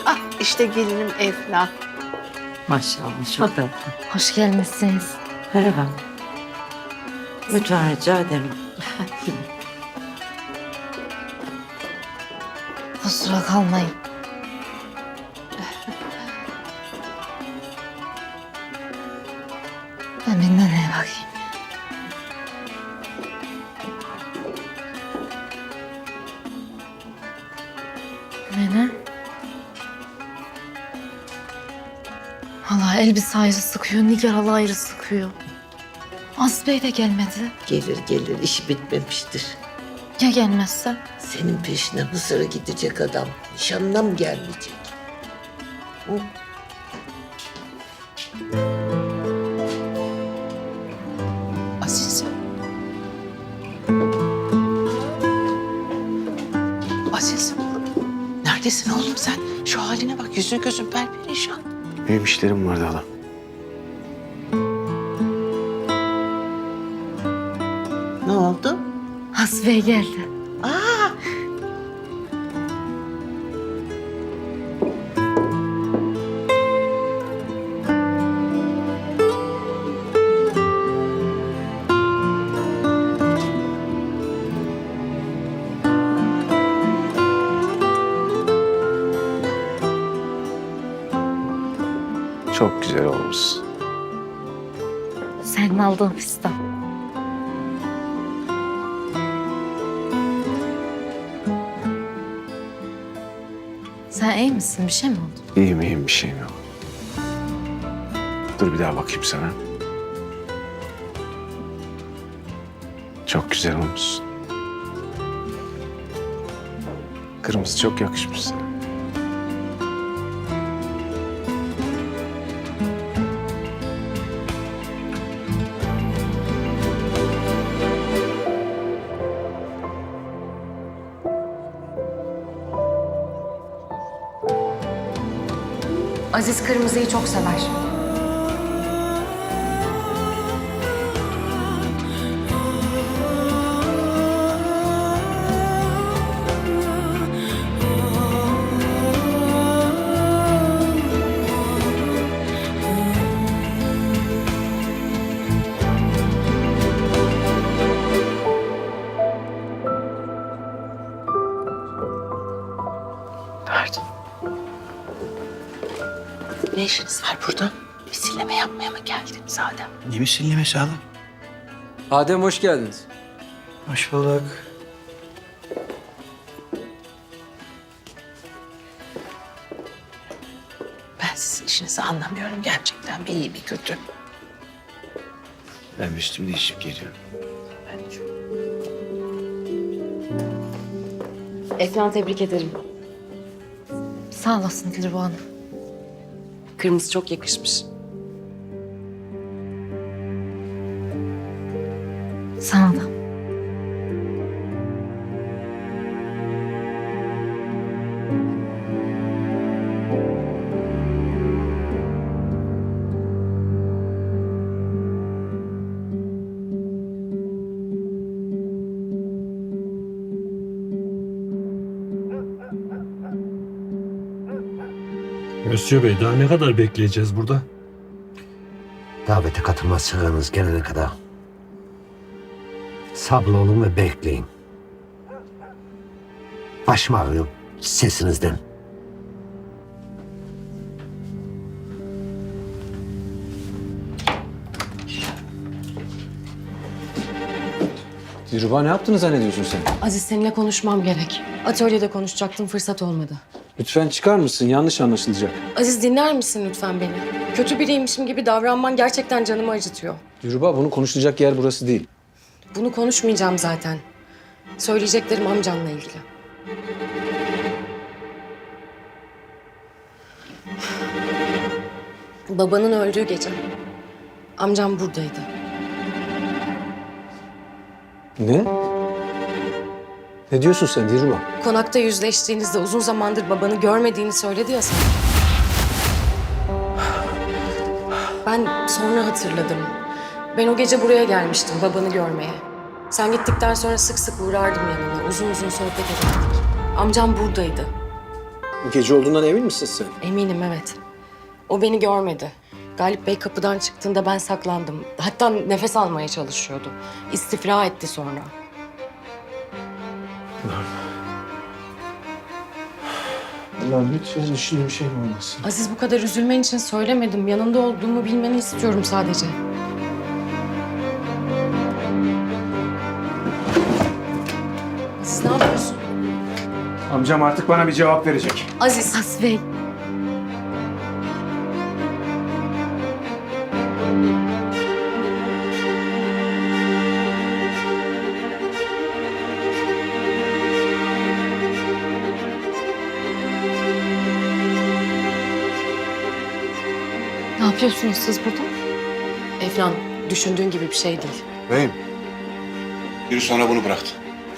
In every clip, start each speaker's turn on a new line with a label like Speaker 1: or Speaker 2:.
Speaker 1: Ah işte gelinim Efla.
Speaker 2: Maşallah çok tatlı.
Speaker 3: Hoş gelmişsiniz.
Speaker 2: Merhaba. Lütfen rica ederim.
Speaker 3: Kusura kalmayın. Ben bir nereye bakayım? Nene? Hala elbise ayrı sıkıyor, Nigar hala ayrı sıkıyor. Aziz Bey de gelmedi.
Speaker 4: Gelir gelir, işi bitmemiştir.
Speaker 3: Ya gelmezse?
Speaker 4: Senin peşine Mısır'a gidecek adam. Nişanına mı gelmeyecek? Hı?
Speaker 1: Aziz. Aziz. Neredesin oğlum sen? Şu haline bak, yüzün gözün perperişan.
Speaker 5: Benim işlerim vardı hala.
Speaker 4: Ne oldu?
Speaker 3: Aziz Bey geldi.
Speaker 4: Aa,
Speaker 5: Çok güzel olmuş.
Speaker 3: Senin aldığın fistan. Sen iyi misin? Bir şey mi oldu?
Speaker 5: İyiyim iyiyim, bir şeyim yok. Dur bir daha bakayım sana. Çok güzel olmuşsun. Kırmızı çok yakışmış sana.
Speaker 6: Aziz kırmızıyı çok sever.
Speaker 1: Pardon. Ne işiniz var burada? Misilleme yapmaya mı geldiniz Adem?
Speaker 7: Ne misillemesi hala?
Speaker 8: Adem hoş geldiniz.
Speaker 7: Hoş bulduk.
Speaker 1: Ben sizin işinizi anlamıyorum gerçekten. Bir iyi bir kötü.
Speaker 5: Ben üstümü değişip geliyorum.
Speaker 6: Efnan tebrik ederim.
Speaker 3: Sağ olasın Dilruba Hanım.
Speaker 6: Kırmızı çok yakışmış.
Speaker 3: Sana da.
Speaker 9: Mösyö Bey, daha ne kadar bekleyeceğiz burada?
Speaker 7: Davete katılmaz çağınız gelene kadar sabırlı olun ve bekleyin. Başım ağrıyor sesinizden.
Speaker 8: Dilruba ne yaptığını zannediyorsun sen?
Speaker 6: Aziz seninle konuşmam gerek. Atölyede konuşacaktım, fırsat olmadı.
Speaker 8: Lütfen çıkar mısın? Yanlış anlaşılacak.
Speaker 6: Aziz dinler misin lütfen beni? Kötü biriymişim gibi davranman gerçekten canımı acıtıyor.
Speaker 8: Dilruba bunu konuşulacak yer burası değil.
Speaker 6: Bunu konuşmayacağım zaten. Söyleyeceklerim amcanla ilgili. Babanın öldüğü gece amcam buradaydı.
Speaker 8: Ne? Ne diyorsun sen Dilruba?
Speaker 6: Konakta yüzleştiğinizde uzun zamandır babanı görmediğini söyledi ya sana. Ben sonra hatırladım. Ben o gece buraya gelmiştim babanı görmeye. Sen gittikten sonra sık sık uğrardım yanına. Uzun uzun sohbet ederdik. Amcam buradaydı.
Speaker 8: Bu gece olduğundan emin misin sen?
Speaker 6: Eminim, evet. O beni görmedi. Galip Bey kapıdan çıktığında ben saklandım. Hatta nefes almaya çalışıyordu. İstifra etti sonra.
Speaker 8: Allah'ım lütfen düşündüğüm şey mi olmasın?
Speaker 6: Aziz, bu kadar üzülmen için söylemedim. Yanında olduğumu bilmeni istiyorum sadece. Aziz, ne yapıyorsun?
Speaker 5: Amcam artık bana bir cevap verecek.
Speaker 6: Aziz.
Speaker 3: Aziz Bey. Ne yapıyorsunuz siz burada?
Speaker 6: Efnan, düşündüğün gibi bir şey değil.
Speaker 5: Beyim. Biri sonra bunu bıraktı.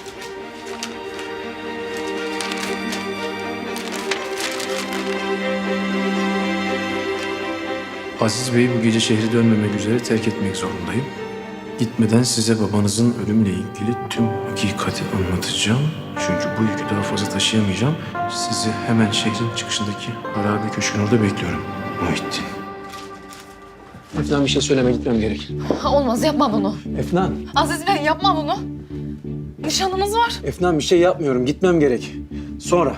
Speaker 10: Aziz Bey'i bu gece şehri dönmemek üzere terk etmek zorundayım. Gitmeden size babanızın ölümüyle ilgili tüm hakikati anlatacağım. Çünkü bu yükü daha fazla taşıyamayacağım. Sizi hemen şehrin çıkışındaki harabe köşkün orada bekliyorum. Muhittin.
Speaker 8: Efnan bir şey söyleme, gitmem gerek.
Speaker 3: Olmaz, yapma bunu.
Speaker 8: Efnan,
Speaker 3: Aziz Bey, yapma bunu. Nişanınız var.
Speaker 8: Efnan bir şey yapmıyorum, gitmem gerek. Sonra.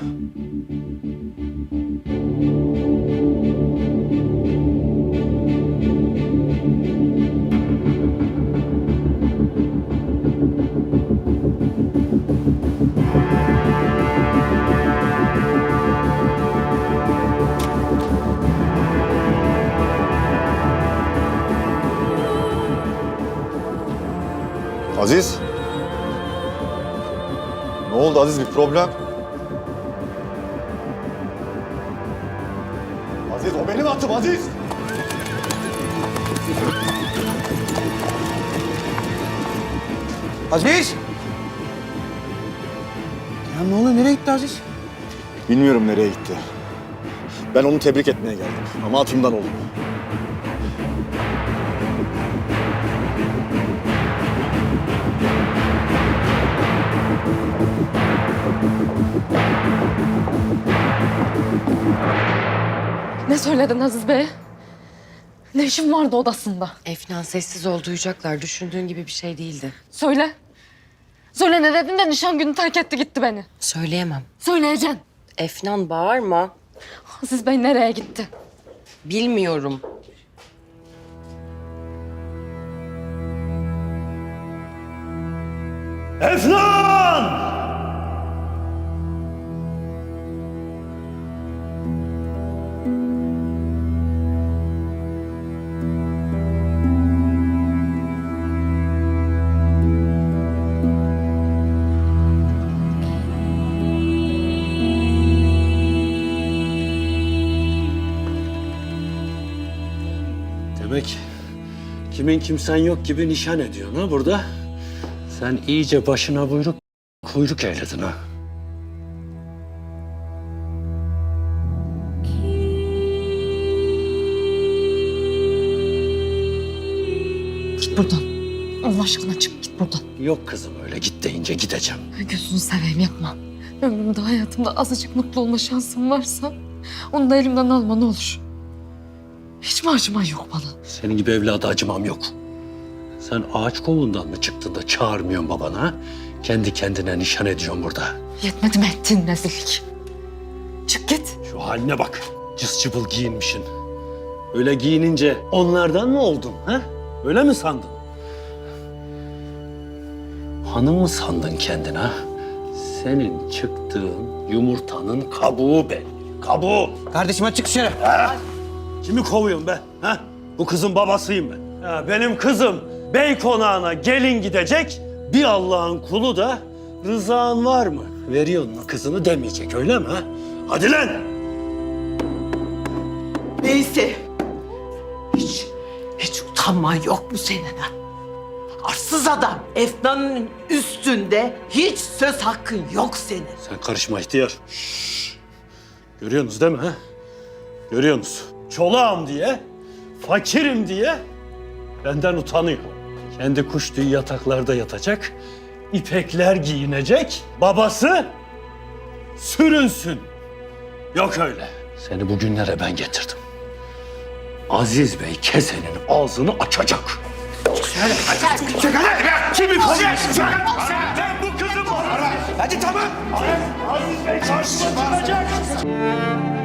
Speaker 11: Aziz. Ne oldu Aziz, bir problem? Aziz, o benim atım Aziz.
Speaker 5: Aziz! Ya ne oluyor? Nereye gitti Aziz?
Speaker 11: Bilmiyorum nereye gitti. Ben onu tebrik etmeye geldim ama atımdan oldu.
Speaker 3: Ne söyledin Aziz Bey? Ne işin vardı odasında?
Speaker 6: Efnan, sessiz ol, duyacaklar. Düşündüğün gibi bir şey değildi.
Speaker 3: Söyle. Söyle, ne dedin de nişan günü terk etti gitti beni.
Speaker 6: Söyleyemem.
Speaker 3: Söyleyeceksin.
Speaker 6: Efnan, bağırma.
Speaker 3: Aziz Bey nereye gitti?
Speaker 6: Bilmiyorum.
Speaker 9: Efnan!
Speaker 12: Demek kimin kimsen yok gibi nişan ediyorsun ha burada. Sen iyice başına buyruk, kuyruk eyledin ha.
Speaker 3: Git buradan. Allah aşkına çık git buradan.
Speaker 12: Yok kızım, öyle git deyince gideceğim.
Speaker 3: Gözünü seveyim, yapma. Ömrümde, hayatımda azıcık mutlu olma şansım varsa onu da elimden alma ne olur. Hiç mi acıman yok bana?
Speaker 12: Senin gibi evlada acımam yok. Sen ağaç kovuğundan mı çıktın da çağırmıyorsun babana ha? Kendi kendine nişan ediyorsun burada.
Speaker 3: Yetmedi mi ettiğin rezillik? Çık git.
Speaker 12: Şu haline bak, cız cıbıl giyinmişsin. Öyle giyinince onlardan mı oldun ha? Öyle mi sandın? Hanım mı sandın kendine ha? Senin çıktığın yumurtanın kabuğu belli. Kabuğu.
Speaker 5: Kardeşim hadi çık dışarı.
Speaker 12: Ha? Kimi kovuyorsun be? Ha? Bu kızın babasıyım ben. Ha, benim kızım bey konağına gelin gidecek. Bir Allah'ın kulu da rızan var mı? Veriyor mu kızını demeyecek, öyle mi? Ha? Hadi lan!
Speaker 1: Neyse. Hiç utanman yok mu senin ha? Arsız adam. Efnan'ın üstünde hiç söz hakkın yok senin.
Speaker 12: Sen karışma ihtiyar. Şşş. Görüyorsunuz değil mi? Ha? Görüyorsunuz. Çolağım diye, fakirim diye benden utanıyor. Kendi kuş tüyü yataklarda yatacak, ipekler giyinecek, babası sürünsün. Yok öyle. Seni bugünlere ben getirdim. Aziz Bey kesenin ağzını açacak. Kimi kovuyorsun? Ben bu kızım var. Hadi tamam. Aziz Bey karşıma çıkacak.